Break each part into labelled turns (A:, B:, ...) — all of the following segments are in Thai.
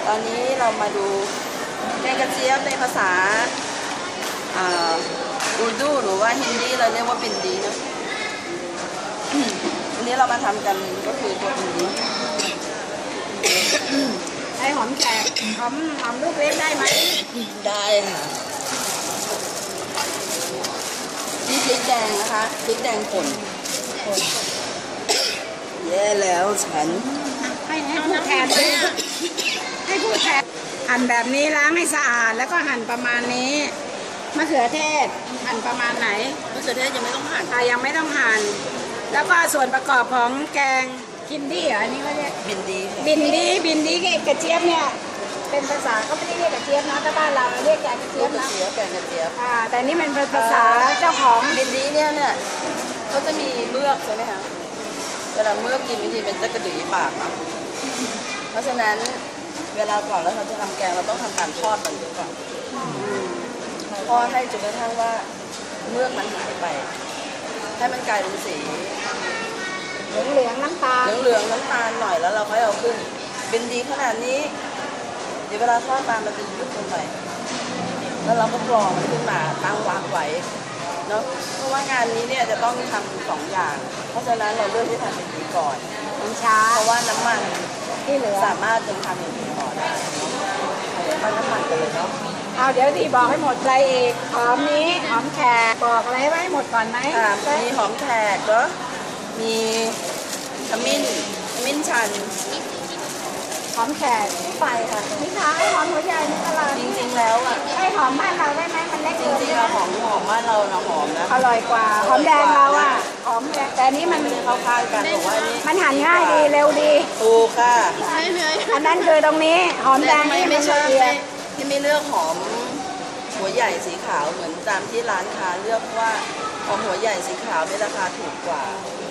A: ตอนนี้เรามาดูแกงกระเจี๊ยบในภาษาอูรดูหรือว่าฮินดีเราเรียกว่าปินดีนะวันนี้เรามาทำกันก็คือตัวปินดี
B: ไอหอมแขกหอมลูกเล็กได้ไหม
A: ได้ค่ะนี่พริกแดงนะคะพริกแดงป่นแย่แล้วฉัน
B: ให้ผู้แทนให้ผู้แทนหั่นแบบนี้ล้างให้สะอาดแล้วก็หั่นประมาณนี้มะเขือเทศหั่นประมาณไหน
A: มะเขือเทศยังไม่ต้องหั่น
B: ยังไม่ต้องหั่นแล้วก็ส่วนประกอบของแกงคินดี้เหรออันนี้เขาเรียก
A: บินดี
B: บินดีกระเจี๊ยบเนี่ยเป็นภาษาเขาไม่ได้เรียกกระเจี๊ยบนะถ้าบ้านเราเรียกแกงกระเจี๊ยบนะ
A: แกงกระเจี๊ยบ
B: แต่นี่มันเป็นภาษาเจ้าของ
A: บินดีเนี่ยเขาจะมีเมือกใช่ไหมคะเวลาเมือกกินบางทีเป็นตะกระดือปากนะเพราะฉะนั้นเวลาก่อนแล้วเราจะทำแกงเราต้องทำการทอดมันก่อนทอดให้จนกระทั่งว่าเมือกมันหายไปให้มันกลายเป็นสี
B: เหลืองน้ำตาล
A: น้ำตาลหน่อยแล้วเราค่อยเอาขึ้นเป็นดีขนาดนี้เดี๋ยวเวลาทอดมามันจะยุบลงไปแล้วเราก็กรองมันขึ้นมาตั้งวางไว้เนาะเพราะว่างานนี้เนี่ยจะต้องทำ2 อย่างเพราะฉะนั้นเราเลือกที่ทำเป็นดีก่อน
B: มันช้า
A: เพราะว่าน้ำมัน
B: ที่เหลือ
A: สามารถทำเป็นดีก่อนได้เอาน้ำมันไปเลยเนาะ
B: เอาเดี๋ยวดีบอกให้หมดอะไรอีกหอมนี้หอมแขกบอกอะไรไว้หมดก่อนไหม
A: มีหอมแขกเนาะมีขมิ้นชัน
B: หอมแขก
A: ไปค่ะ
B: นี่ค่ะไอหอมหัวใหญ่ในตลาด
A: จริงๆแล้ว
B: ไอหอมบ้านเราได้ไหมมันเล็ก
A: จริงๆเราหอมบ้านเราหอมนะ
B: อร่อยกว่าหอมแดงเราหอมแดงแต่นี้มัน
A: เข้าข้างกันบอกว่านี่
B: มันหั่นง่ายดีเร็วดี
A: ถูกค่ะ
B: อันนั้นคือตรงนี้หอมแดง
A: ไม่ชอบที่ไม่เลือกหอมหัวใหญ่สีขาวเหมือนตามที่ร้านค้าเลือกว่าหอมหัวใหญ่สีขาวในราคาถูกกว่า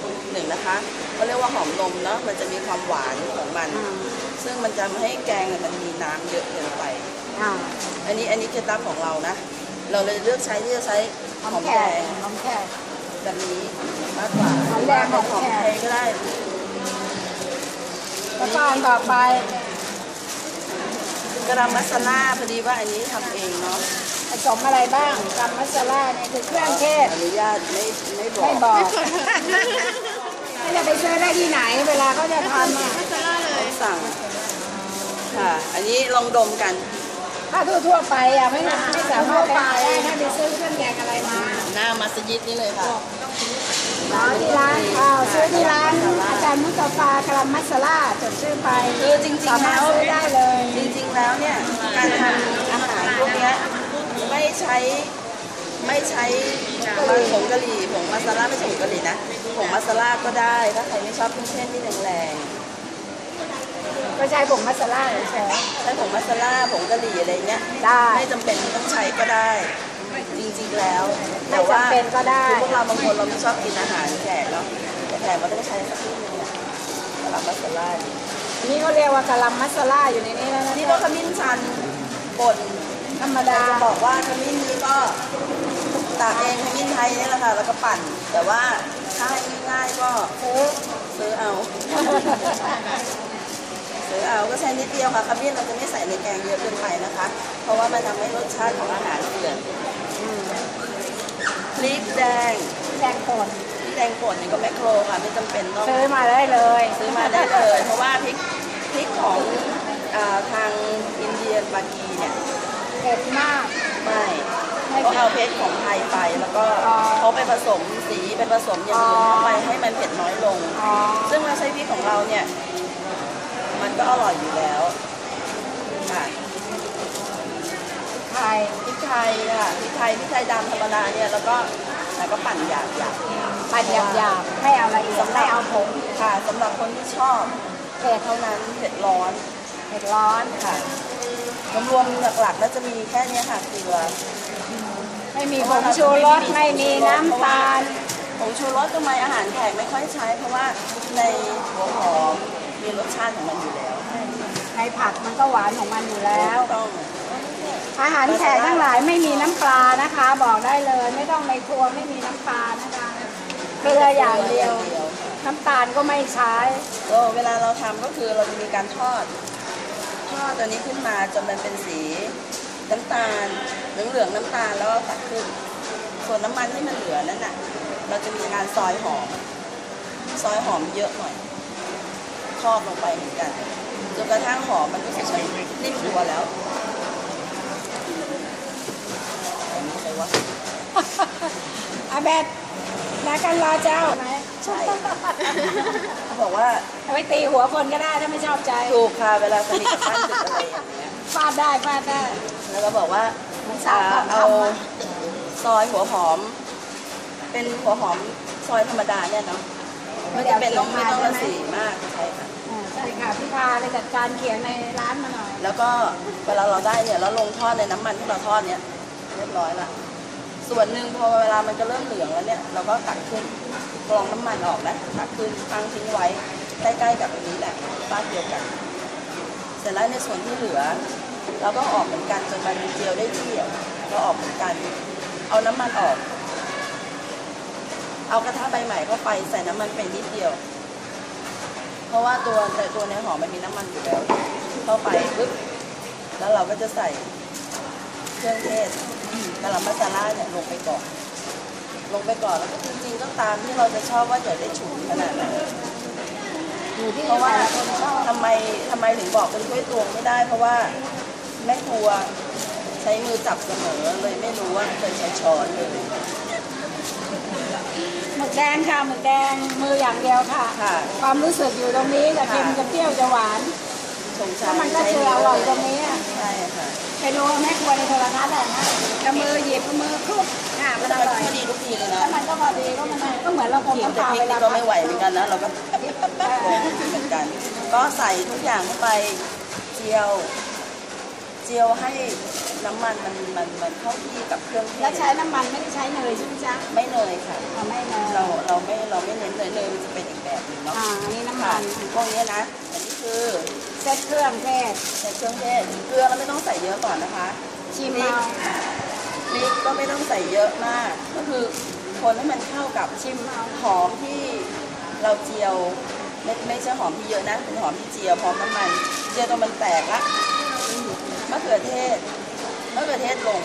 A: 1นะคะเขาเรียกว่าหอมนมเนาะมันจะมีความหวานของมันซึ่งมันจะไม่ให้แกงมันมีน้ำเยอะเกินไปอันนี้เคล็ดลับของเรานะเราเลยเลือกใช้หอมแดงแบบนี้มากกว่า
B: หอมแดงหอม
A: ไทยก็ได้
B: แล้วก็ต่อไป
A: กระมัสลาพอดีว่าอันนี้ทำเองเนาะ
B: ผสมอะไรบ้างกระมัสลาเนี่ยคือเครื่องเทศ
A: อนุญาตไม่บอก
B: ไม่จะไปซื้อได้ที่ไหนเวลาเขาจะทำ
A: สั่งค่ะอันนี้ลองดมกัน
B: ถ้าทั่วไปไม่สามารถไปได้ถ้าไปซื้อเครื่องแกงอะไรมา
A: หน้ามัสยิดนี่เลยค่ะ
B: ที่ร้านซื้อที่ร้านอาจารย์มุสตาฟากรัมมัสลาจดชื่อไป
A: คือจริงๆแล้ว
B: ซื้อได้เลย
A: จริงๆแล้วเนี่ยการทำอาหารพวกนี้ไม่ใช้ผงกะหรี่ผงมัสลาไม่ใช่ผงกะหรี่นะผงมัสลาก็ได้ถ้าใครไม่ชอบเครื่องเทศที่แรง
B: ก็ใช้ผงมัสลา
A: ใช้ผงมัสลาผงกะหรี่อะไรเงี้ย
B: ได้
A: ไม่จำเป็นต้องใช้ก็ได้จริงๆแล้ว
B: แต่ว่าเป็นก็ได้
A: พวกเราบางคนเราไม่ชอบกินอาหารแขกเนาะแต่แขกก็ต้องใช้สักนิดนึงเนี่ยกะหล่ำมัสลา
B: นี่เขาเรียกว่ากะหล่ำมัสลาอยู่ในนี้แล้วนะ
A: นี่ก็ขมิ้นชันป่น
B: ธรรมดา
A: จะบอกว่าขมิ้นนี้ก็ตากเองขมิ้นไทยนี่แหละค่ะแล้วก็ปั่นแต่ว่าถ้าให้ง่ายๆก็ซื้อเอาก็ใช้นิดเดียวค่ะขมิ้นเราจะไม่ใส่ในแกงเยอะเกินไปนะคะเพราะว่ามันทำให้รสชาติของอาหารเปลี่ยนพริกแดง
B: ป่น
A: นี่ก็แมคโครค่ะไม่จำเป็นต้อง
B: ซื้อมาได้เลย
A: เพราะว่าพริกของทางอินเดียปากีเนี่ย
B: เผ็ดมาก
A: ไม่เขาเอาเพชรของไทยไปแล้วก็เขาไปผสมสีไปผสมอย่างอื่นเข้าไปให้มันเผ็ดน้อยลงซึ่งเราใช้พริกของเราเนี่ยมันก็อร่อยอยู่แล้วค่ะพริกไทยค่ะพริกไทยดำธรรมดาเนี่ยแล้วก็ปั่นหยาบ
B: ปั่นหยาบไม่เอาละเอียดไม่เอาผง
A: ค่ะสำหรับคนที่ชอบเผ็ดเท่านั้นเผ็ดร้อนค่ะรวมๆหลักๆแล้วจะมีแค่นี้ค่ะเกลือ
B: ไม่มีผงชูรสไม่มีน้ำตาล
A: ผงชูรสทำไมอาหารแขกไม่ค่อยใช้เพราะว่าในหัวหอมมีรสชาติของมันอยู่แล้ว
B: ในผักมันก็หวานของมันอยู่แล้วอาหารแขกทั้งหลายไม่มีน้ำปลานะคะบอกได้เลยไม่ต้องในครัวไม่มีน้ำปลานะคะเกลืออย่างเดียวน้ำตาลก็ไม่ใช้
A: เวลาเราทำก็คือเราจะมีการทอดทอดตัวนี้ขึ้นมาจนมันเป็นสีน้ำตาลเหลืองน้ำตาลแล้วก็ตักขึ้นส่วนน้ำมันที่มันเหลือนั่นน่ะเราจะมีการซอยหอมเยอะหน่อยทอดลงไปเหมือนกันจนกระทั่งหอมมันก็จะนิ่มตัวแล้วอันนี้ใครวะ
B: อาเบดแล้วกันรอเจ้าไหม
A: ใช่เขาบอกว่า
B: เอาไปตีหัวคนก็ได้ถ้าไม่ชอบใจ
A: ถูกค่ะเวลาสนิทกับท่านดึกอะไรอย่างเงี้ย
B: ฟาดได้ฟาดได้
A: แล้วก็บอกว่า
B: สาวของ
A: เอา
B: ทำอะ
A: ซอยหัวหอม เป็นหัวหอมซอยธรรมดาเนี่ยเนาะไม่จำเป็นต้องละสีมากใช่ค่ะ
B: ใช่ค่ะพี่พาไปจัดการเขียงในร้านมาหน่อย
A: แล้วก็เวลาเราได้เนี่ยแล้วลงทอดในน้ำมันที่เราทอดเนี่ยเรียบร้อยละส่วนหนึ่งพอเวลามันจะเริ่มเหลืองแล้วเนี่ยเราก็ตักขึ้นกรองน้ำมันออกนะตักขึ้นตั้งทิ้งไว้ใกล้ๆกับอันนี้แหละบ้านเดียวกัน เสร็จแล้วในส่วนที่เหลือ เราก็ออกเหมือนกันจนมันเจียวได้ที่เราออกเหมือนกัน เอาน้ำมันออก เอากระทะใบใหม่เข้าไปใส่น้ำมันไปนิดเดียว เพราะว่าตัวในหอมมันมีน้ำมันอยู่แล้วเข้าไปปึ๊บแล้วเราก็จะใส่เครื่องเทศกะหล่ำมัสลาเนี่ยลงไปก่อนแล้วก็จริงๆก็ตามที่เราจะชอบว่าจะได้ฉุนขนาดไหน
B: อยู่ที่
A: เพราะว่า
B: แต่ละคนชอบ
A: ทำไมถึงบอกเป็นถ้วยตวงไม่ได้ เพราะว่าแม่ครัวใช้มือจับเสมอเลยไม่รู้ว่าเคยใช้ช้อนเลย
B: หมึกแดงค่ะหมึกแดงมืออย่างเดียวค่ะ
A: ค่ะ
B: ความรู้สึกอยู่ตรงนี้จะเค็มจะเปรี้ยวจะหวาน
A: สง
B: แล้
A: สาว ร
B: มันก็เจออร่อยตรงนี้อะ
A: ใช่ค่ะ
B: ไปดูแม่ครัวในโทรทัศน์แหละนะจะมือหยิบมือคลุกค่ะมันอร่อย
A: พอดีทุกทีเลยนะ
B: แล้วมันก็พอดีก็มันก็เหมือนเราคง
A: กิน
B: น้ำ
A: แต่
B: ปลา
A: พริ
B: เว
A: ก
B: ลา
A: นี่ก็ไม่ไหวเหมือนกันนะเราก็เหมือนกัน ก็ใส่ทุกอย่างเข้าไปเจียวให้น้ำมันมันเข้าที่กับเครื่องเท
B: แล้ว
A: ศ
B: ใช้น้ำมันไม่ได้ใช้เนยใช่ไหมจ๊ะ
A: ไม่เนยค่ะ
B: ไม่เนย
A: เราไม่เน้นเลยมันจะเป็นอีกแบบหนึงเนาะ
B: อันนี้น้ำ
A: ค่ะ
B: มัน
A: พวกนี้นะอันนี้คือ
B: เซ็ตเครื่องเทศ
A: ใส่เครื่องเทศเกลือเราไม่ต้องใส่เยอะก่อนนะคะ
B: ชิม
A: พริ
B: เอา
A: กพริกก็ไม่ต้องใส่เยอะมาก ก็คือคนให้มันเข้ากับ
B: ชิมเอา
A: หอมที่เราเจียวไม่ใช่หอมที่เยอะนะเป็นหอมที่เจียวพร้อมน้ำมันเจียวจนมันแตกละมะเขือเทศลง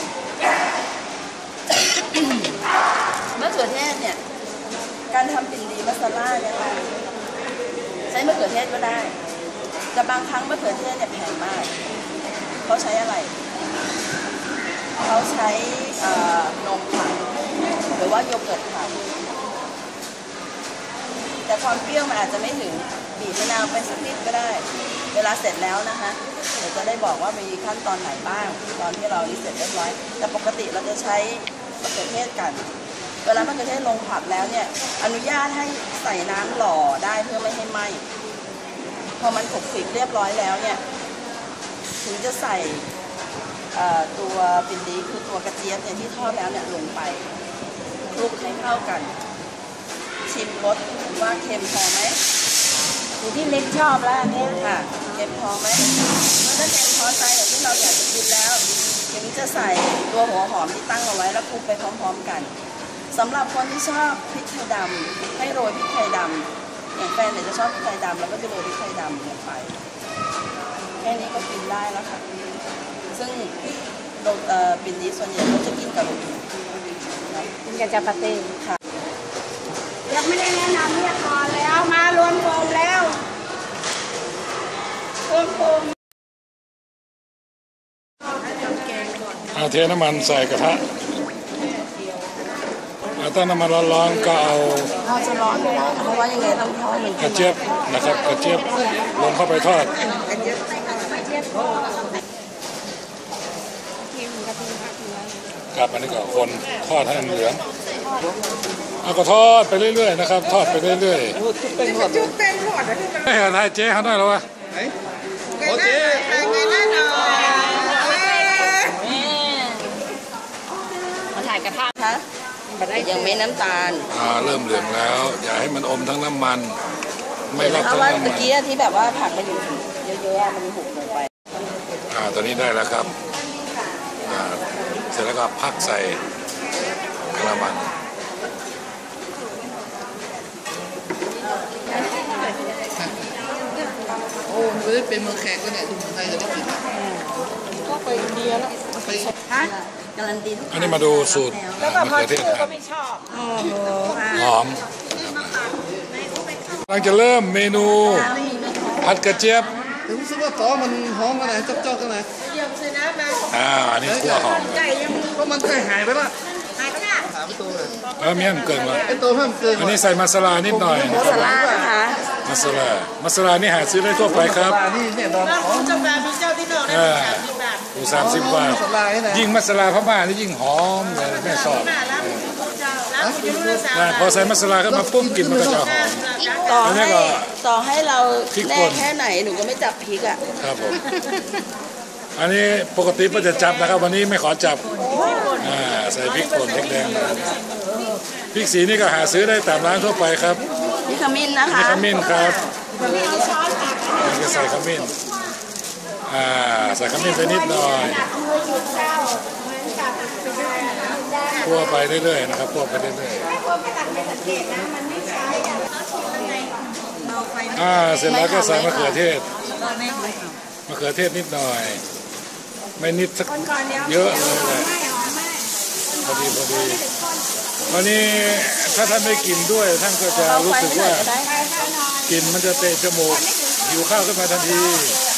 A: มะเขือเทศเนี่ยการทำปิ่นดีมัสลาเนี่ยค่ะใช้มะเขือเทศก็ได้แต่บางครั้งมะเขือเทศเนี่ยแพงมากเขาใช้อะไรเขาใช้นมผักหรือว่าโยเกิร์ตผักแต่ความเปรี้ยวมันอาจจะไม่ถึงบีบมะนาวไปสักนิดก็ได้เวลาเสร็จแล้วนะคะเดี๋ยวจะได้บอกว่ามีขั้นตอนไหนบ้างตอนที่เรานี่เสร็จเรียบร้อยแต่ปกติเราจะใช้มะเขือเทศกันเวลามะเขือเทศลงผัดแล้วเนี่ยอนุญาตให้ใส่น้ำหล่อได้เพื่อไม่ให้ไหม้พอมันขบสิบเรียบร้อยแล้วเนี่ยถึงจะใส่ตัวปิ่นดีคือตัวกระเจี๊ยบเนี่ยที่ทอดแล้วเนี่ยลงไปคลุกให้เข้ากัน ชิมรสว่าเค็มพอไหม
B: อยู่ที่ลิ้นชอบแล้วอันนี้
A: ค่ะเค็มพอไหมเมื่อถ้าเค็มพอใจอย่างที่เราอยากจะกินแล้วถึงจะใส่ตัวหัวหอมที่ตั้งเอาไว้แล้วคลุกไปพร้อมๆกันสำหรับคนที่ชอบพริกไทยดำให้โรยพริกไทยดำอย่างแฟนเนี่ยจะชอบพริกไทยดำแล้วก็จะโรยพริกไทยดำลงไปแค่นี้ก็กินได้แล้วค่ะซึ่งปิ่นนี้ส่วนใหญ่เขาจะกินกับโรตี
B: กินกับจัปาตี
A: ค่ะ
B: ยังไม่ได้แนะนำเรียกก่อนแล้วมารวมกลุ่มแล้วรวมกลุ่ม
C: เอาเทน้ำมันใส่กระทะถ้าน้ำมันร้อนๆก็เอา
A: เราจะร้อนไม่ได้เพราะว่ายังไงต้องทอดมัน
C: กระเจี๊ยบนะครับกระเจี๊ยบลงเข้าไปทอด
A: กระเจี๊ยบ
B: กินกะทิผักเนื้อ
C: ครับอันนี้ก็คนทอดให้มันเหลืองเอาก็ทอดไปเรื่อยๆนะครับ ทอดไปเรื่อยๆไม่เห็นไทยเจ๊เขาได้หรอวะ
B: มาถ่ายกระทะ
A: คะยังไม่น้ำตาล
C: เริ่มเหลืองแล้ว อย่าให้มันอมทั้งน้ำมัน ไม่รับ
A: เพ
C: ทั้
A: ราะ
C: ง
A: ว่า
C: น้ำมั
A: ตะ
C: น
A: กี้ที่แบบว่าผักมันอยู่เยอะๆมันหุบลงไป
C: ตอนนี้ได้แล้วครับเสร็จแล้วก็พักใส่กระมัง
A: โอ้
D: ไม่ได้เป็นเมืองแขกก็เนี่ยที่เมืองไทยจะได้กิน
B: ก็ไปอินเดียแล้ว
D: ไป
B: ฮะ
A: การันตีทุก
C: อันนี้มาดูสูตร
B: แล้วก็
C: มะ
B: พอ
C: เขือเท
B: ชื่
C: ศ
B: อก็ไม่ชอบโอ้โห
C: หอมกำลังจะเริ่มเมนูผัดกระเจี๊ยบ
D: ถึงรู้สึกว่าต่อมันหอมกันไหนจ๊อกๆกันไหน
C: อันนี้คั่วหอม
D: เพราะมันเคยหายไปละ
B: หายไปละ
D: 3 ตัวเลย
C: แล้วเมี่ยงเกินมา
D: ไอตัวเพิ่มเกิน
C: อันนี้ใส่มาสลานิดหน่อย
A: มาสลานะคะ
C: มาสลานี่หาซื้อได้ทั่วไปครับ
D: นี่เนี่ยตอนหอม
C: ดู30 บาท
D: สลายนะ
C: ยิ่งมัสลาพม่านี่ยิ่งหอมเลยแม่ชอบพอใส่มัสลาเข้ามาปุ๊บกลิ่นมันก็จะหอม
A: ต่อ
C: อันนี้
A: ให้
C: ก็
A: ต่อให้เรา
C: พริก
A: แน่
C: ป่น
A: แค่ไหนหนูก็ไม่จับพริกอ่ะ
C: ครับผม อันนี้ปกติก็จะจับนะครับ วันนี้ไม่ขอจับใส่พริกป่นพริกแดงพริกสีนี่ก็หาซื้อได้ตามร้านทั่วไปครับ
A: นี่ขมิ้นนะ
C: นี่
A: คะ
C: ขมิ้นครับนี่ก็ใส่ขมิ้นใส่ขมิ้นไปนิดหน่อยคั่วไปเรื่อยๆนะครับคั่วไปเรื่อยๆเสร็จแล้วก็ใส่มะเขือเทศนิดหน่อย ไม่นิดสักเยอะเลยแหละพอดีวันนี้ถ้าท่านไม่กินด้วยท่านก็จะรู้สึกว่ากลิ่นมันจะเตะจมูกหิวข้าวขึ้นมาทันที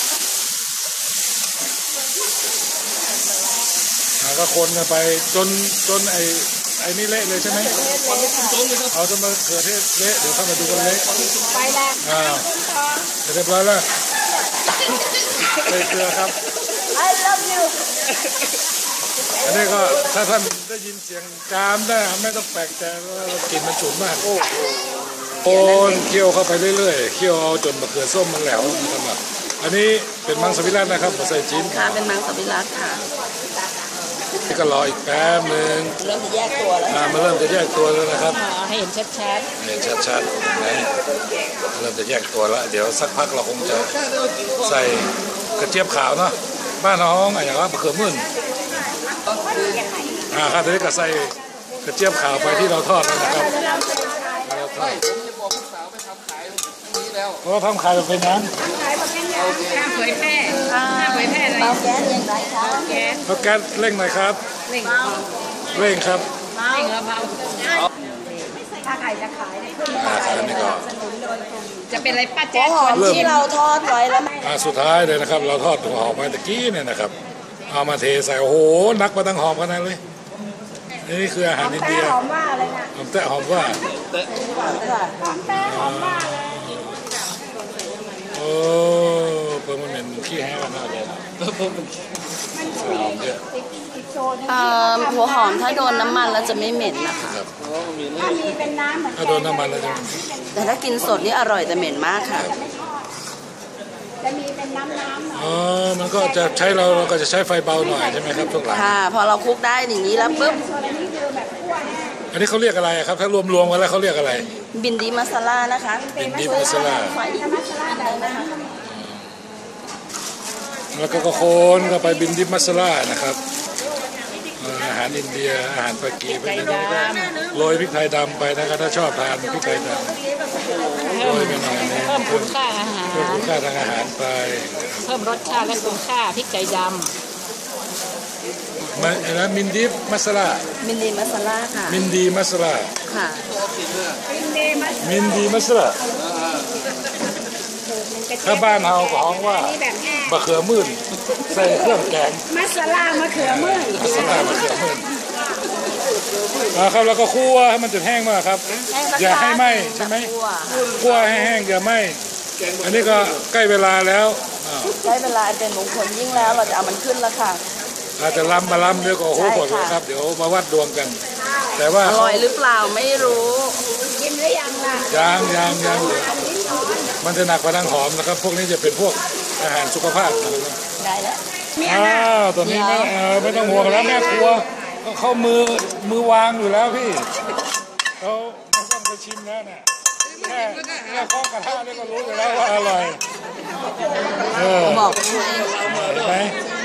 C: ก็คนกันไปจนไอ้นี่เละเลยใช่ไหมเอาจนมะเขือเทศเละเดี๋ยวเข้ามาดูกันเละ
B: ไปแล้ว
C: เรียบร้อยแล้วใส่เกลือครับ
B: I love you
C: อันนี้ก็ถ้าท่านได้ยินเสียงจามได้ไม่ต้องแปลกใจว่ากลิ่นมันฉุนมากโอนเคี่ยวเข้าไปเรื่อยๆเคี่ยวเอาจนมะเขือส้มมันแหลวนะครับอันนี้เป็นมังสวิรัตินะครับใส่ชิ้น
A: ค่ะเป็นมังสวิรัติค่ะ
C: นี่ก็รออีกแป๊บนึง
A: เริ่มจะแยกตัวแล้ว
C: มันเริ่มจะแยกตัวแล้วนะครับ
B: ให้เห็นชัด
C: เห็นชัดๆไหนเริ่มจะแยกตัวแล้วเดี๋ยวสักพักเราคงจะใส่กระเจี๊ยบขาวเนาะบ้านน้องอย่างว่ามะเขือมื่นครับทีนี้ก็ใส่กระเจี๊ยบขาวไปที่เราทอดแล้วนะครับเราทอด
D: ผมจะบอกลูกสาวไปทำขายนี้แล้ว
C: เพราะว่าทำขายแบบเป็นนั้น
B: ๆห้ามเผยแพร่
A: ค่ะ
B: ห้ามเผยแพร่อะไร
A: เตาแก๊สอย่างไรคะ
B: แก๊ส
C: แล้วแก๊สเร่งหน่อยครับ
B: เร่ง
C: เร่งครับ
B: เร่งแล้วเผาถ้าใครจะขายเนี่ย
C: อันนี้ก็
B: จะเป็นอะไรป้า
A: หั
B: แจ๊
A: ว
B: ค
A: หอมที่เราทอดไว้แล้ว
C: สุดท้ายเลยนะครับ เราทอดหัวหอมไปตะกี้เนี่ยนะครับเอามาเทใส่โอ้โหนักมาตั้งหอมขนาดนั้นเลยนี่คืออาหารอิน
B: แต่
C: เดีย
B: หอมว่าเลยนะ
C: หอมแตะหอมว่า
B: หอมแต่หอมว่าเลย
C: โอ้เพิ่มมันเหม็นขี้แห้งกันมากเลยหอมเยอะ
B: อีกโซน
A: หัวหอมถ้าโดนน้ำมันแล้วจะไม่เหม็นนะคะ
C: ครับ
B: ถ้ามีเป็นน้ำเหมือน
C: ถ้าโดนน้ำมันแล้วจะ
A: แต่ถ้ากินสดนี่อร่อยแต่เหม็นมากค่ะ
B: จะมีเป็นน้ำหน่อย
C: อ๋อมันก็จะใช้เราก็จะใช้ไฟเบาหน่อยใช่ไหมครับทุกหลัง
A: ค่ะ พอเราคลุกได้อย่างนี้แล้วปุ๊บ
B: โซนนี้คือแบบคั่วแห้ง
C: อันนี้เขาเรียกอะไรครับถ้ารวมๆกันแล้วเขาเรียกอะไร
A: บินดีมาซาล่านะคะ
C: บินดีมัสลา
A: ไฟอีก
B: มัสลาได้ไหมคะ
C: แล้วก็โคนก็ไปบินดิมัสลานะครับอาหารอินเดียอาหารปากีไปนะโรยพริกไทยดำไปนะครับถ้าชอบทานพริกไทยดำโรยไปหน่อยนึง
B: เพิ่มคุณค่าอาหาร
C: เพิ่มคุณค่าทางอาหารไป
B: เพิ่มรสชาติและคุณค่าพริกไก่ด
C: แล้วมินดิมัสลา
A: บินดีมาซาล่าค่ะ
C: มินดีมัสลา
A: ค่ะ
B: ำ
C: มินดีมัสลาถ้าบ้านเฮาก็ฮ้องว่า
B: นี่แบบแห้ง
C: มะเขือมื่นใส่เครื่องแกง
B: มัสลามะเขือมื่น
C: มัสลามะเขือมื่นครับแล้วก็คั่วให้มันจนแห้งมากครับ อย่าให้ไหม้ใช่ไหมคั่วให้แห้งอย่าไหม้อันนี้ก็ใกล้เวลาแล้วอ้าว
A: ได้เวลาเป็นมงคลยิ่งแล้วเราจะเอามันขึ้นแล้วค่ะ
C: อาจจะล้ำมาล้ำเดี๋ยวก็โอ้โห
A: ใช่
C: หมดเลย
A: ค่ะ
C: ครับเดี๋ยวมาวัดดวงกัน แต่ว่า
A: อร่อยหรือเปล่าไม่รู้
B: กินหรือยังล่ะ
C: ยังมันจะหนักกว่าทางหอมนะครับ พวกนี้จะเป็นพวกอาหารสุขภาพนะครับ
A: ได้แล้ว
C: อ้าวตัวนี้ไม่ต้องห่วงแล้วแม่ครัวก็เข้ามือวางอยู่แล้วพี่เขาไม่ต้องไปชิมแล้วเนี่ยแค่เคาะกระทะนี่ก็รู้อยู่แล้วว่าอร่อย
A: บอก
C: เห็นไหม